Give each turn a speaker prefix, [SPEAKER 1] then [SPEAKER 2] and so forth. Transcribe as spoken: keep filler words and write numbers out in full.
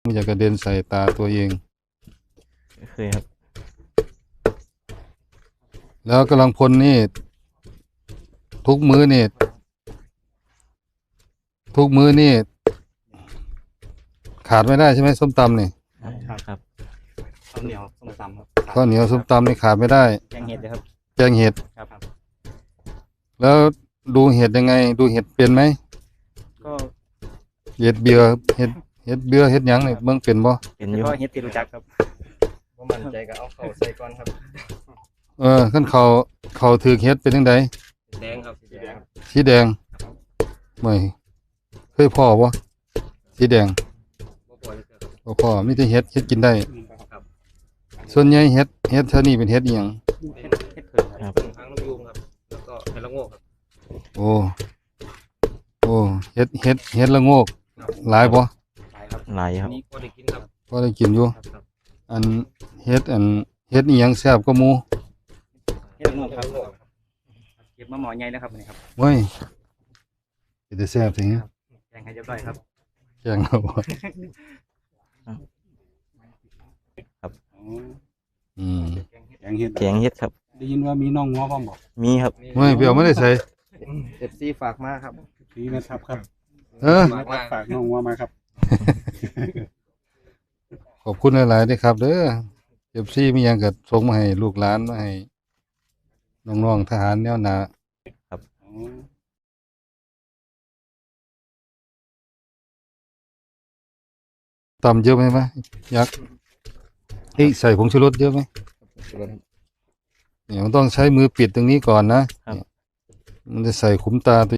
[SPEAKER 1] มันจะกระเด็นใส่ตาตัวเอง
[SPEAKER 2] เคยครับ
[SPEAKER 1] แล้วกำลังพลนี่ทุกมื้อนี่ทุกมื้อนี่ขาดไม่ได้ใช่ไหมส้มตำนี่
[SPEAKER 2] ครับครับ
[SPEAKER 3] ข้าวเหนียวส้มตำครับ
[SPEAKER 1] ข้าวเหนียวส้มตำนี่ขาดไม่ได้
[SPEAKER 3] แกงเห็ดนะครับ
[SPEAKER 1] แกงเห็ด
[SPEAKER 3] ครับ
[SPEAKER 1] แล้วดูเห็ดยังไงดูเห็ดเป็นไหม
[SPEAKER 3] ก็
[SPEAKER 1] เห็ดเบียร์เห็ดเห็ดเบียร์เห็ดหยังนี่เบิ่งเป็นบ่
[SPEAKER 2] เป็นอยู่
[SPEAKER 3] ก็เห็ดที่รู้จักครับว่ามันใจก็เอาเข้าใส่ก่อนครับ
[SPEAKER 1] เออขั้นเขาเขาถือเห็ดเป็นจังได
[SPEAKER 3] แดงครับสีแดง
[SPEAKER 1] สีแดงไม่เคยพ่อบ่สีแดงบ่พ่อมีแต่เห็ดเห็ดกินได้ส่วนใหญ่เห็ดเห็ดเท่านี้เป็นเห็ดอีหยัง
[SPEAKER 3] เห็ดเห็ดเผือกครับหางนกยูงครับแล้วก็เห็ดละโงกครับ
[SPEAKER 1] โอ้โอ้เห็ดเห็ดเห็ดละโงกหลายบ่
[SPEAKER 3] หลายครับ
[SPEAKER 2] หลายครับ
[SPEAKER 3] นี่ก็ได้กินครับ
[SPEAKER 1] พอได้กินอยู่อันเฮ็ดอันเฮ็ดอีหยังแซ่บกว่าหมู่
[SPEAKER 3] เห็ดละโงกครับเก็บมาหมอใหญ่แล้วครับนี่ครับ
[SPEAKER 1] เว้ยสิได้แซ่บจัง
[SPEAKER 3] แกงให้เรียบร้อยครับ
[SPEAKER 1] แกงเอาบ่
[SPEAKER 2] ครับ
[SPEAKER 1] อืม
[SPEAKER 4] แกงเห็ด
[SPEAKER 2] แกงเห็ดครับ
[SPEAKER 4] ได้ยินว่ามีน้องง้อบ้างบอก
[SPEAKER 2] มีครับ
[SPEAKER 1] เว้ยเปียวไม่ได้ใส่
[SPEAKER 3] เอฟซีฝากมาครับ
[SPEAKER 4] พี่นะครับครับ
[SPEAKER 1] เออ
[SPEAKER 4] ฝากน้องง้อมาครับ
[SPEAKER 1] ขอบคุณหลายๆด้วยครับเด้อ เอฟ ซี มีหยังก็ส่งมาให้ลูกหลานมาให้น้องๆทหารแนวหน้า
[SPEAKER 2] ครับ
[SPEAKER 1] ตำเยอะไหมไหมยักษ์เฮ้ยใส่ผงชูรสเยอะไหมเนี่ยมันต้องใช้มือปิดตรงนี้ก่อนนะมันจะใส่ขุมตาตัว